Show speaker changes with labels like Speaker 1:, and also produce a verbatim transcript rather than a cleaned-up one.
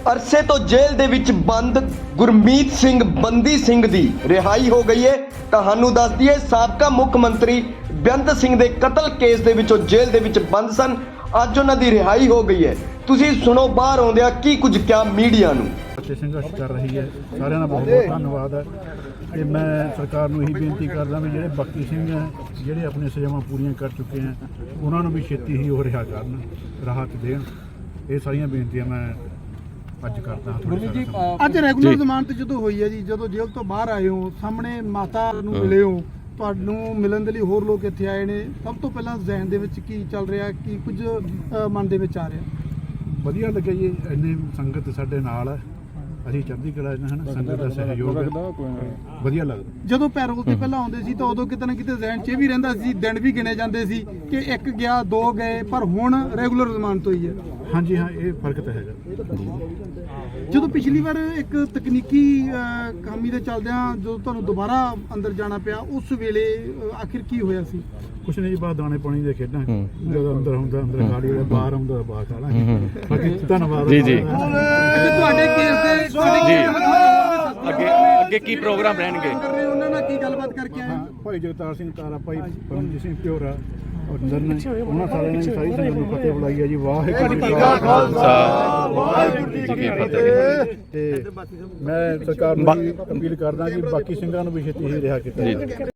Speaker 1: ਅਰਸੇ ਤੋਂ ਜੇਲ੍ਹ ਦੇ ਵਿੱਚ ਬੰਦ ਗੁਰਮੀਤ ਸਿੰਘ ਬੰਦੀ ਸਿੰਘ ਦੀ ਰਿਹਾਈ ਹੋ ਗਈ ਹੈ। ਤੁਹਾਨੂੰ ਦੱਸ ਦਈਏ ਸਾਬਕਾ ਮੁੱਖ ਮੰਤਰੀ ਬੇਅੰਤ ਸਿੰਘ ਦੇ ਕਤਲ ਕੇਸ ਦੇ ਵਿੱਚੋਂ ਜੇਲ੍ਹ ਦੇ ਵਿੱਚ ਬੰਦ ਸਨ। ਅੱਜ ਉਹਨਾਂ ਦੀ ਰਿਹਾਈ ਹੋ ਗਈ ਹੈ। ਤੁਸੀਂ ਸੁਣੋ ਬਾਹਰ ਆਉਂਦਿਆਂ ਕੀ ਕੁਝ ਕਿਹਾ ਮੀਡੀਆ ਨੂੰ।
Speaker 2: ਬੱਚੇ ਸੰਘਰਸ਼ ਕਰ ਰਹੀ ਹੈ, ਸਾਰਿਆਂ ਦਾ ਬਹੁਤ ਬਹੁਤ ਧੰਨਵਾਦ ਹੈ। ਤੇ ਮੈਂ ਸਰਕਾਰ ਨੂੰ ਇਹੀ ਬੇਨਤੀ ਕਰਦਾ ਵੀ ਜਿਹੜੇ ਬਾਕੀ ਸਿੰਘ ਹੈ ਜਿਹੜੇ ਆਪਣੀਆਂ ਸਜ਼ਾਵਾਂ ਪੂਰੀਆਂ ਕਰ ਚੁੱਕੇ ਹੈ ਉਹਨਾਂ ਨੂੰ ਵੀ ਛੇਤੀ ਹੀ ਉਹ ਰਿਹਾ ਕਰਨ, ਰਾਹਤ ਦੇਣ। ਇਹ ਸਾਰੀਆਂ ਬੇਨਤੀਆਂ ਮੈਂ ਅੱਜ ਕਰਦਾ ਹਾਂ।
Speaker 3: ਅੱਜ ਰੈਗੂਲਰ ਜ਼ਮਾਨਤ ਜਦੋਂ ਹੋਈ ਹੈ ਜੀ, ਜਦੋਂ ਜੇਲ੍ਹ ਤੋਂ ਬਾਹਰ ਆਏ ਹੋ, ਸਾਹਮਣੇ ਮਾਤਾ ਨੂੰ ਮਿਲੇ ਹੋ, ਤੁਹਾਨੂੰ ਮਿਲਣ ਦੇ ਲਈ ਹੋਰ ਲੋਕ ਇੱਥੇ ਆਏ ਨੇ, ਸਭ ਤੋਂ ਪਹਿਲਾਂ ਜ਼ਹਿਨ ਦੇ ਵਿੱਚ ਕੀ ਚੱਲ ਰਿਹਾ, ਕੀ ਕੁਝ ਅ, ਮਨ ਦੇ ਵਿੱਚ ਆ ਰਿਹਾ?
Speaker 2: ਵਧੀਆ ਲੱਗਿਆ ਜੀ, ਇੰਨੀ ਸੰਗਤ ਸਾਡੇ ਨਾਲ ਹੈ, ਅਸੀਂ ਚੜ੍ਹਦੀ ਕਲਾ ਚ ਹਨ, ਸੰਗਤ ਦਾ ਸਹਿਯੋਗ ਹੈ, ਵਧੀਆ ਲੱਗਦਾ।
Speaker 3: ਜਦੋਂ ਪੈਰੋਲ ਤੇ ਪਹਿਲਾਂ ਆਉਂਦੇ ਸੀ ਤਾਂ ਉਦੋਂ ਕਿਤੇ ਨਾ ਕਿਤੇ ਜ਼ਹਿਨ 'ਚ ਇਹ ਵੀ ਰਹਿੰਦਾ ਸੀ, ਦਿਨ ਵੀ ਗਿਣੇ ਜਾਂਦੇ ਸੀ ਕਿ ਇੱਕ ਗਿਆ ਦੋ ਗਏ, ਪਰ ਹੁਣ ਰੈਗੂਲਰ ਜ਼ਮਾਨਤ ਹੋਈ ਹੈ।
Speaker 2: ਹਾਂਜੀ ਹਾਂ, ਇਹ ਫਰਕ ਤਾਂ ਹੈਗਾ।
Speaker 3: ਜਦੋਂ ਪਿਛਲੀ ਵਾਰ ਇੱਕ ਤਕਨੀਕੀ ਅ, ਖਾਮੀ ਦੇ ਚੱਲਦਿਆਂ ਜਦੋਂ ਤੁਹਾਨੂੰ ਦੁਬਾਰਾ ਅੰਦਰ ਜਾਣਾ ਪਿਆ, ਉਸ ਵੇਲੇ ਅ, ਆਖਿਰ ਕੀ ਹੋਇਆ ਸੀ?
Speaker 2: ਕੁਛ ਨਹੀਂ ਜੀ, ਬਾਹਰ ਦਾਣੇ ਪਾਣੀ ਦੇ ਖੇਡਾਂ, ਜਦੋਂ ਅੰਦਰ ਹੁੰਦਾ ਅੰਦਰ ਗਾੜੀ ਹੋਇਆ, ਬਾਹਰ ਆਉਂਦਾ ਬਾਹਰ ਖਾ ਲਾਂਗੇ। ਬਾਕੀ ਧੰਨਵਾਦ
Speaker 4: ਜੀ ਜੀ।
Speaker 3: ਤੁਹਾਡੇ ਕੇਸ ਦੇ
Speaker 4: ਜੀ ਅੱਗੇ ਅੱਗੇ ਕੀ ਪ੍ਰੋਗਰਾਮ ਰਹਿਣਗੇ?
Speaker 3: ਉਹਨਾਂ ਨਾਲ ਕੀ ਗੱਲਬਾਤ ਕਰਕੇ ਆਏ?
Speaker 2: ਭਾਈ ਜਗਤਾਰ ਸਿੰਘ ਤਾਰਾ, ਭਾਈ ਪਰਮਜੀਤ ਸਿੰਘ ਪਿਓਰਾ, ਅੰਦਰ ਨੇ ਉਹਨਾਂ ਸਾਰਿਆਂ ਨੇ ਸਾਰੀ ਸੰਗਤ ਨੂੰ ਫਤਿਹ ਬੁਲਾਈ ਹੈ ਜੀ। ਵਾਹਿਗੁਰੂ ਜੀ ਕਾ ਖਾਲਸਾ ਵਾਹਿਗੁਰੂ ਜੀ ਕੀ ਫਤਿਹ। ਤੇ ਮੈਂ ਸਰਕਾਰ ਨੂੰ ਅਪੀਲ ਕਰਦਾ ਕਿ ਬਾਕੀ ਸਿੰਘਾਂ ਨੂੰ ਵੀ ਛੇਤੀ ਹੀ ਰਿਹਾ ਕੀਤਾ ਜਾਵੇ।